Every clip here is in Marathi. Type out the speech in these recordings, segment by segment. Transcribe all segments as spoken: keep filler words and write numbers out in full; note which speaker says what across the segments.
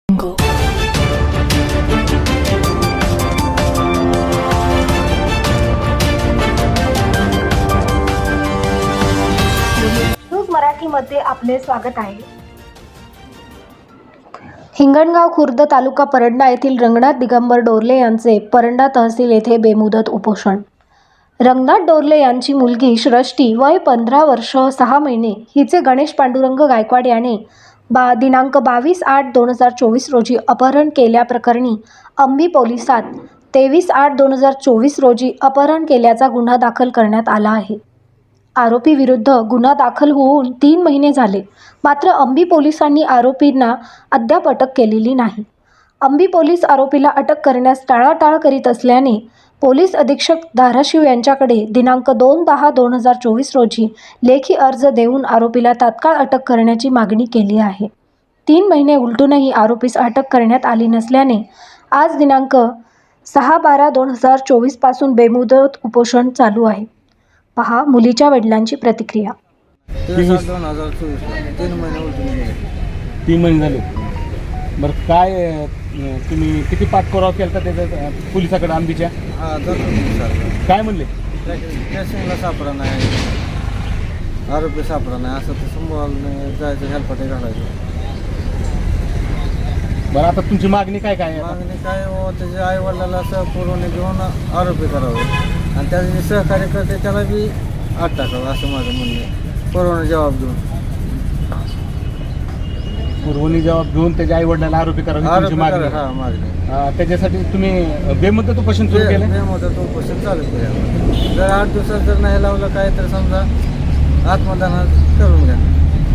Speaker 1: न्यूज मराठीमध्ये आपले स्वागत आहे. हिंगणगाव खुर्द तालुका परंडा येथील रंगनाथ दिगंबर डोरले यांचे परंडा तहसील येथे बेमुदत उपोषण. रंगनाथ डोरले यांची मुलगी सृष्टी वय पंधरा वर्ष सहा महिने हिचे गणेश पांडुरंग गायकवाड याने बा दिनांक बावीस आठ दोन हजार चोवीस रोजी अपहरण केल्याप्रकरणी अंबी पोलिसात तेवीस आठ दोन हजार चोवीस रोजी अपहरण केल्याचा गुन्हा दाखल करण्यात आला आहे. आरोपी विरुद्ध गुन्हा दाखल होऊन तीन महिने झाले, मात्र अंबी पोलिसांनी आरोपींना अद्याप अटक केलेली नाही. अंबी पोलीस आरोपीला अटक करण्यास टाळाटाळ करीत असल्याने पोलीस अधीक्षक धाराशिव यांच्याकडे दिनांक दोन दहा दोन हजार चोवीस रोजी लेखी अर्ज देऊन आरोपीला तात्काळ अटक करण्याची मागणी केली आहे. तीन महिने उलटूनही आरोपीस अटक करण्यात आली नसल्याने आज दिनांक सहा बारा दोन हजार चोवीस पासून बेमुदत उपोषण चालू आहे. पहा मुलीच्या वडिलांची प्रतिक्रिया.
Speaker 2: दोन हजार चोवीस तीन महिने उलटून गेले.
Speaker 3: तीन महिने झाले. बरं, काय अं, तुम्ही किती पाठपुरावा केला त्याच्या पोलिसाकडे आंबीच्या?
Speaker 2: हा जातो सर.
Speaker 3: काय म्हणले?
Speaker 2: स्टेशनला सापडा नाही, आरोपी सापडा नाही, असं ते समोर जायचं, हेल्पाटे घालायचं.
Speaker 3: बरं, आता तुमची मागणी काय काय आहे?
Speaker 2: मागणी काय हो, त्याच्या आई वडिलाला असं पुरवणी घेऊन आरोपी करावे आणि त्याचे जे सहकार्य करते त्याला बी आत टाकावं, असं माझं म्हणणं आहे. पुरवणी जबाब देऊन
Speaker 3: पुरवणी जबाब घेऊन त्याच्या आई वडिलांना आरोपी करावी तुमची
Speaker 2: आरोपी
Speaker 3: मागणी.
Speaker 2: करा. हा मागणी
Speaker 3: अं, त्याच्यासाठी तुम्ही बेमुदत उपोषण सुरू केलं?
Speaker 2: बेमुदत उपोषण चालू केलं. जर आठ दिवसात जर नाही लावलं काय तर समजा आत्मदान करून घ्या.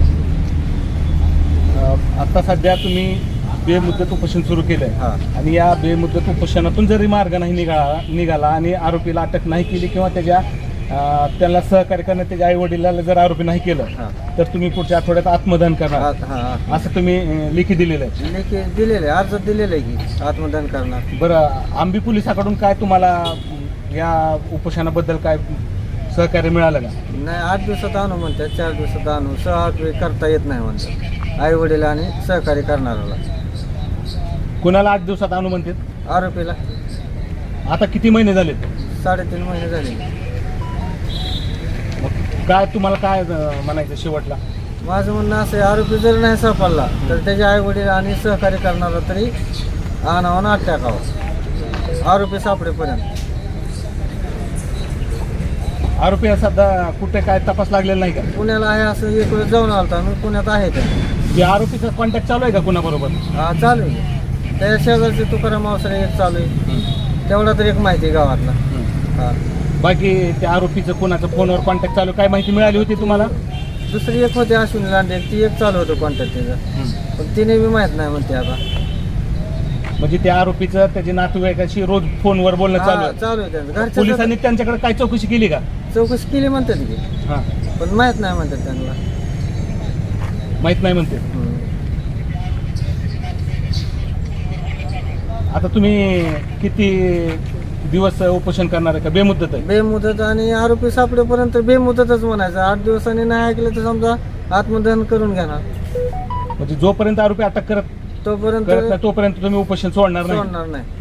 Speaker 3: अं, आता सध्या तुम्ही बेमुदत उपोषण सुरू केलंय
Speaker 2: हा.
Speaker 3: आणि या बेमुदत उपोषणातून जरी मार्ग नाही निघाला निघाला आणि आरोपीला अटक नाही केली किंवा त्याच्या अं, त्याला सहकार्य करण्यात त्याच्या आई वडिलांना जर आरोपी नाही केलं
Speaker 2: हा.
Speaker 3: तर तुम्ही पुढच्या आठवड्यात आत्मदान करणार
Speaker 2: आत- हा हा.
Speaker 3: असं तुम्ही अं, लेखी दिलेलं आहे.
Speaker 2: लेखी दिलेले अर्ज दिलेले आहे की आत्मदान करणार.
Speaker 3: बरं, आंबी पोलिसाकडून काय तुम्हाला अं, या उपोषणाबद्दल काय सहकार्य मिळालं का?
Speaker 2: नाही, आठ दिवसात आणू म्हणतात, चार दिवसात आणू, सहा आठ वेळ करता येत नाही म्हणतात आई वडील आणि सहकार्य करणाऱ्याला.
Speaker 3: कुणाला आठ दिवसात आणू म्हणतात?
Speaker 2: आरोपीला
Speaker 3: आता किती महिने झालेत?
Speaker 2: साडेतीन महिने झाले.
Speaker 3: मग काय तुम्हाला काय अं, म्हणायचं शेवटला?
Speaker 2: माझं म्हणणं असं आहे, आरोपी जर नाही सापडला तर त्याचे आई वडील आणि सहकार्य करणारा तरी आणावं ना आत टाकावं आरोपी सापडेपर्यंत.
Speaker 3: आरोपी हा सध्या कुठे काय तपास लागलेला नाही का?
Speaker 2: पुण्याला आहे असं एक वेळ जाऊन आलता मी, पुण्यात आहे त्या.
Speaker 3: जे आरोपीचा कॉन्टॅक्ट चालू आहे का कुणाबरोबर?
Speaker 2: हा चालू आहे. त्या शेजारचे तुकाराम अवसरे एक चालू आहे, तेवढा तर एक माहिती आहे गावातला. हा.
Speaker 3: बाकी त्या आरोपीचं कोणाचं फोनवर कॉन्टॅक्ट चालू काय माहिती मिळाली होती तुम्हाला?
Speaker 2: दुसरी एक होती अश्विनी लांडे, ती एक चालू होतं कॉन्टॅक्ट तिचं, पण तिने बी माहीत नाही म्हणते आता.
Speaker 3: म्हणजे त्या आरोपीचं त्याच्या नातेवाईकाशी रोज फोनवर बोलणं चालू
Speaker 2: हा,
Speaker 3: आहे.
Speaker 2: चालू आहे त्यांचं. घरच्या
Speaker 3: पोलिसांनी त्यांच्याकडे काय चौकशी केली का?
Speaker 2: चौकशी केली म्हणतात की,
Speaker 3: हां,
Speaker 2: पण माहीत नाही म्हणतात त्यांना.
Speaker 3: माहित नाही म्हणते.
Speaker 2: हम्म.
Speaker 3: आता तुम्ही किती दिवस उपोषण करणार आहे का बेमुदत आहे?
Speaker 2: बेमुदत आणि आरोपी सापडेपर्यंत बेमुदतच म्हणायचं. आठ दिवसांनी नाही ऐकलं तर समजा आत्मदहन करून घेणार.
Speaker 3: म्हणजे जोपर्यंत आरोपी अटक करत
Speaker 2: तोपर्यंत
Speaker 3: करत नाही तोपर्यंत तुम्ही उपोषण सोडणार नाही?
Speaker 2: सोडणार नाही.